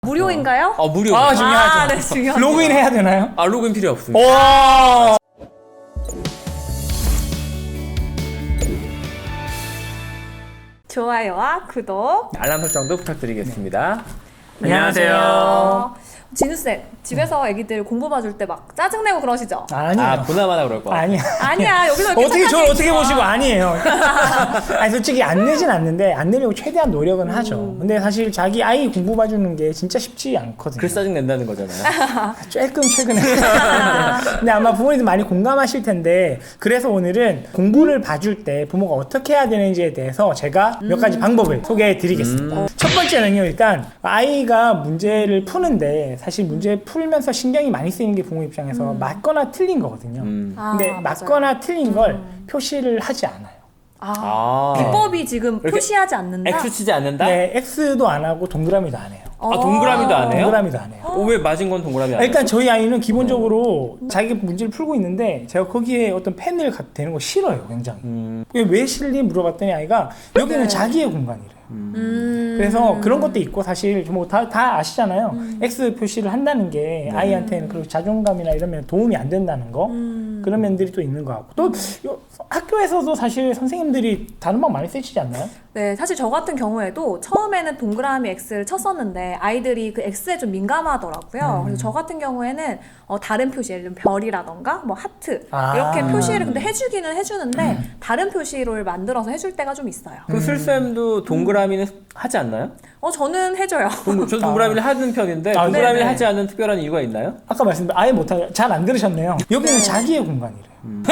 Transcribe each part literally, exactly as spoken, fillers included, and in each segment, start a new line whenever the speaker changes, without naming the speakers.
무료인가요?
어, 무료.
아, 중요하죠.
아, 네, 중요하죠.
로그인 해야 되나요?
아, 로그인 필요 없습니다.
오!
좋아요와 구독
알람 설정도 부탁드리겠습니다.
안녕하세요.
진우쌤, 집에서 애기들 공부 봐줄 때 막 짜증내고 그러시죠?
아니에요.
아, 보나마나 그럴 거.
아니야.
아니야, 여기서 이렇게
어떻게 저를
착하게
어떻게
있어.
보시고 아니에요. 아니 솔직히 안 내진 않는데 안 내려고 최대한 노력은 하죠. 근데 사실 자기 아이 공부 봐주는 게 진짜 쉽지 않거든요.
그래서 짜증 낸다는 거잖아요.
조금 최근에. 근데 아마 부모님들 많이 공감하실 텐데 그래서 오늘은 공부를 봐줄 때 부모가 어떻게 해야 되는지에 대해서 제가 몇 가지 방법을 소개해 드리겠습니다.
음.
첫 번째는요, 일단 아이가 문제를 푸는데 사실 문제 풀면서 신경이 많이 쓰이는 게 부모 입장에서 맞거나 틀린 거거든요.
음.
아,
근데
맞아요.
맞거나 틀린 걸 표시를 하지 않아요.
아,
아.
비법이 지금
이렇게
표시하지 않는다?
X 치지 않는다?
네, X도 안 하고 동그라미도 안 해요.
아, 동그라미도 안 해요?
동그라미도 안 해요.
어, 왜 맞은 건 동그라미 안
아, 일단
해요?
저희 아이는 기본적으로 자기 문제를 풀고 있는데 제가 거기에 어떤 펜을 갖다 대는 거 싫어요, 굉장히.
음.
그게 왜 싫니 물어봤더니 아이가 여기는
네.
자기의 공간이래요.
음.
그래서 그런 것도 있고 사실 뭐 다 다 아시잖아요. X 표시를 한다는 게 아이한테는 그리고 자존감이나 이러면 도움이 안 된다는 거
음.
그런 면들이 또 있는 것 같고 또 요- 학교에서도 사실 선생님들이 다른 방 많이 쓰시지 않나요?
네, 사실 저 같은 경우에도 처음에는 동그라미 X를 쳤었는데 아이들이 그 X에 좀 민감하더라고요.
음.
그래서 저 같은 경우에는 어, 다른 표시, 예를 들면 별이라던가 뭐 하트
아.
이렇게 표시를 근데 해주기는 해주는데 다른 표시를 만들어서 해줄 때가 좀 있어요.
그 술쌤도 동그라미는 하지 않나요?
어, 저는 해줘요.
동, 저도 동그라미를 하는 편인데
아,
동그라미를
네네.
하지 않는 특별한 이유가 있나요?
아까 말씀드린 아예 못하게 잘 안 들으셨네요. 여기는
네.
자기의 공간이래요.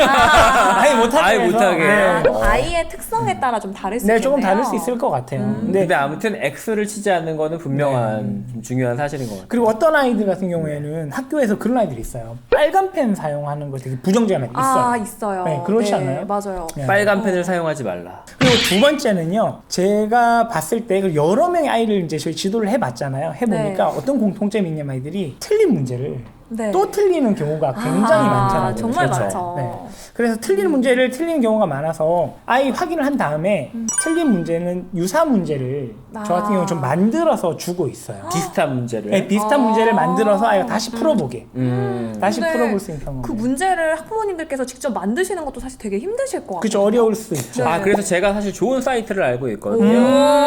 아,
아예 못하게
아예
해서,
못하게.
네.
아, 또 아이의 특성에 따라 좀 다를 수
네,
있겠네요.
조금 다를 수 있을 것 같아요. 근데
근데 아무튼 X를 치지 않는 거는 분명한 좀 중요한 사실인 것 같아요.
그리고 어떤 아이들 같은 경우에는 학교에서 그런 아이들이 있어요. 빨간 펜 사용하는 거 되게 부정적인 아이들 있어요.
아, 있어요.
네, 그렇지 않아요?
맞아요.
네.
빨간 펜을 사용하지 말라.
그리고 두 번째는요, 제가 봤을 때 그 여러 명의 아이를 이제 저희 지도를 해봤잖아요. 해보니까
네.
어떤 공통점이 있냐면 아이들이 틀린 문제를
네.
또 틀리는 경우가 굉장히
아,
많더라고요.
정말
그렇죠.
많죠.
네. 그래서 틀린 문제를 틀리는 경우가 많아서 아이 확인을 한 다음에 틀린 문제는 유사 문제를
아.
저 같은 경우는 좀 만들어서 주고 있어요.
비슷한 문제를.
네, 비슷한
아.
문제를 만들어서 아이가 다시 풀어보게.
음.
다시
근데
풀어볼 수 있는 경우.
그 문제를 학부모님들께서 직접 만드시는 것도 사실 되게 힘드실 것 같아요.
그죠, 어려울 수 있죠.
네.
아, 그래서 제가 사실 좋은 사이트를 알고 있거든요.
오.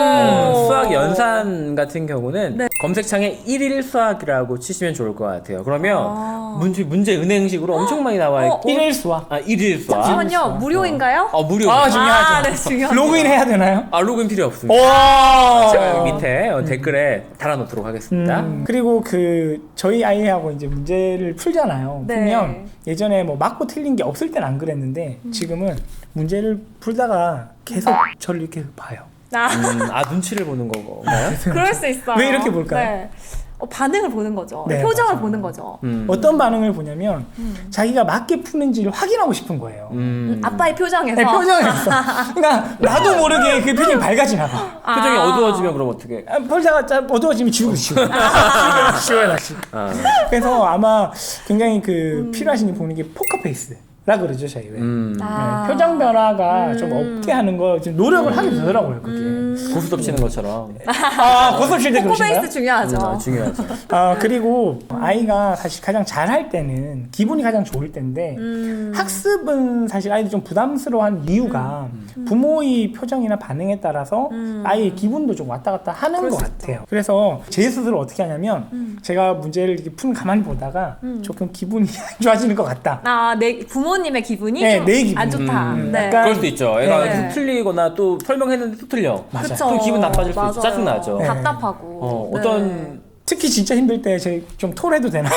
어, 수학 연산 같은 경우는
네.
검색창에 일일 수학이라고 치시면 좋을 것 같아요. 그러면
아.
문제, 문제 은행식으로 엄청 많이 나와 있고.
일일 수학.
아, 일일 수학.
잠시만요. 무료인가요?
어, 무료.
아,
아,
중요하죠.
아, 네, 중요하죠.
로그인 해야 되나요?
로그인 필요 없습니다.
오!
제가 여기 밑에 어, 댓글에 달아놓도록 하겠습니다.
음, 그리고 그 저희 아이하고 이제 문제를 풀잖아요.
네.
풀면 예전에 뭐 맞고 틀린 게 없을 땐 안 그랬는데 지금은 문제를 풀다가 계속 저를 이렇게 봐요.
아,
음, 아, 눈치를 보는 건가요?
그럴 수 있어요.
왜 이렇게 볼까요?
네. 어, 반응을 보는 거죠.
네,
표정을
맞아요.
보는 거죠.
음.
어떤 반응을 보냐면
음.
자기가 맞게 푸는지를 확인하고 싶은 거예요.
음.
아빠의 표정에서.
네, 표정에서. 그러니까 나도 모르게 그 표정이 밝아지나 봐.
아.
표정이 어두워지면 그럼 어떻게?
아, 풀다가 짜- 어두워지면 지우고 지우고. 지워요 다시.
아.
그래서 아마 굉장히 그 필요하신 게 보는 게 포커페이스라 그러죠 저희 왜.
음.
아.
네, 표정 변화가
음.
좀 없게 하는 거 지금 노력을 하게 되더라고요 그게.
음.
고스톱 치는 것처럼.
아 고소실 때 그러신가요?
포커페이스 중요하죠.
음, 아, 중요하죠.
아 그리고 아이가 사실 가장 잘할 때는 기분이 가장 좋을 때인데
음.
학습은 사실 아이들이 좀 부담스러워하는 이유가 부모의 표정이나 반응에 따라서
음.
아이의 기분도 좀 왔다 갔다 하는
그럴
것
수
같아요. 그래서 제 스스로 어떻게 하냐면
음.
제가 문제를 이렇게 푼 가만히 보다가
음.
조금 기분이 안 좋아지는 것 같다.
아, 내 부모님의 기분이
네,
좀
내 기분.
안 좋다.
음,
네.
약간-
그럴 수도 있죠. 애가
네.
계속 틀리거나 또 설명했는데 또 틀려.
맞아요.
그쵸.
또 기분 나빠질 수 있죠.
맞아요.
짜증나죠.
네.
답답하고.
어,
네.
어떤
특히 진짜 힘들 때 제 좀 톨해도 되나요?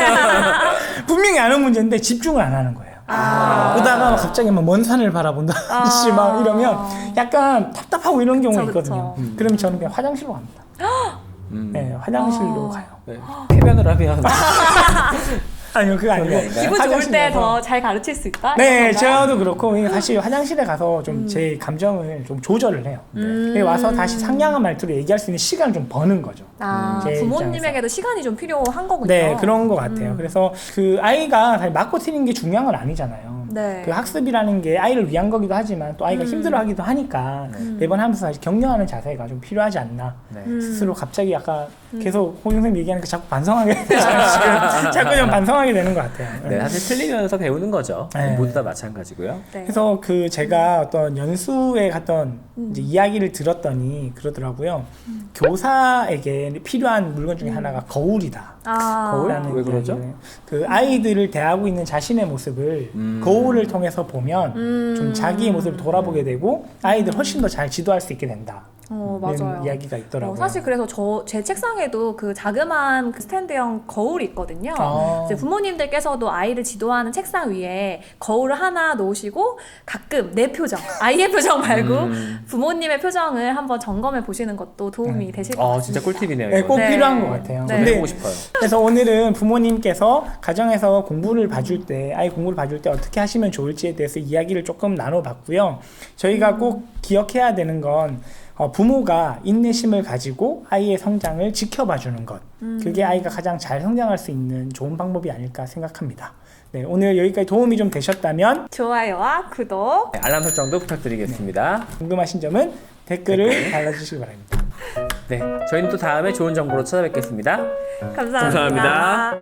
분명히 아는 문제인데 집중을 안 하는 거예요.
아.
보다가 막 갑자기 막 먼 산을 바라본다든지
아.
막 이러면 약간 답답하고 이런 경우가
그쵸,
있거든요.
그쵸.
그러면 저는 그냥 화장실로 갑니다.
음.
네, 화장실로
아.
가요.
네. 쾌변을 하면
아니요, 그거 아니고.
그런 게 아닌가요?
기분 좋을
화장실
때
가서.
더 잘 가르칠 수 있다?
네,
이런 건가요?
저도 그렇고 이게 사실 화장실에 가서 좀 제 감정을 좀 조절을 해요.
음.
네, 와서 다시 상냥한 말투로 얘기할 수 있는 시간을 좀 버는 거죠.
아,
제
부모님에게도 시간이 좀 필요한 거군요.
네, 그런 것 같아요.
음.
그래서 그 아이가 사실 맞고 틀린 게 중요한 건 아니잖아요.
네.
그 학습이라는 게 아이를 위한 거기도 하지만 또 아이가
음.
힘들어하기도 하니까 매번 하면서 사실 격려하는 자세가 좀 필요하지 않나.
네.
음.
스스로 갑자기 약간 계속 홍 선생님 얘기하니까 자꾸 반성하게 지금 자꾸 좀 반성하게 되는 것 같아요.
네, 사실 틀리면서 배우는 거죠.
네.
모두 다 마찬가지고요.
네.
그래서 그 제가 어떤 연수에 갔던 이제 이야기를 들었더니 그러더라고요. 교사에게 필요한 물건 중에 하나가 거울이다.
아,
거울?
라는
왜 그러죠?
이야기를. 그 아이들을 대하고 있는 자신의 모습을
음.
거울을 통해서 보면
음.
좀 자기의 모습을 돌아보게 되고 아이들 훨씬 더 잘 지도할 수 있게 된다.
어,
이런
맞아요.
이야기가 있더라고요.
어, 사실 그래서 저 제 책상에도 그 자그마한 그 스탠드형 거울이 있거든요.
아.
이제 부모님들께서도 아이를 지도하는 책상 위에 거울을 하나 놓으시고 가끔 내 표정, 아이의 표정 말고
음.
부모님의 표정을 한번 점검해 보시는 것도 도움이 되실 것
어,
같습니다.
진짜 꿀팁이네요.
네,
이거.
꼭
네.
필요한 것 같아요.
네.
저도
근데
해보고 싶어요.
그래서 오늘은 부모님께서 가정에서 공부를 봐줄 때, 아이 공부를 봐줄 때 어떻게 하시면 좋을지에 대해서 이야기를 조금 나눠봤고요. 저희가 꼭 기억해야 되는 건 어, 부모가 인내심을 가지고 아이의 성장을 지켜봐주는 것. 그게 아이가 가장 잘 성장할 수 있는 좋은 방법이 아닐까 생각합니다. 네, 오늘 여기까지 도움이 좀 되셨다면
좋아요와 구독.
네, 알람 설정도 부탁드리겠습니다.
궁금하신 점은 댓글을 달아주시기 바랍니다.
네, 저희는 또 다음에 좋은 정보로 찾아뵙겠습니다.
감사합니다.
감사합니다.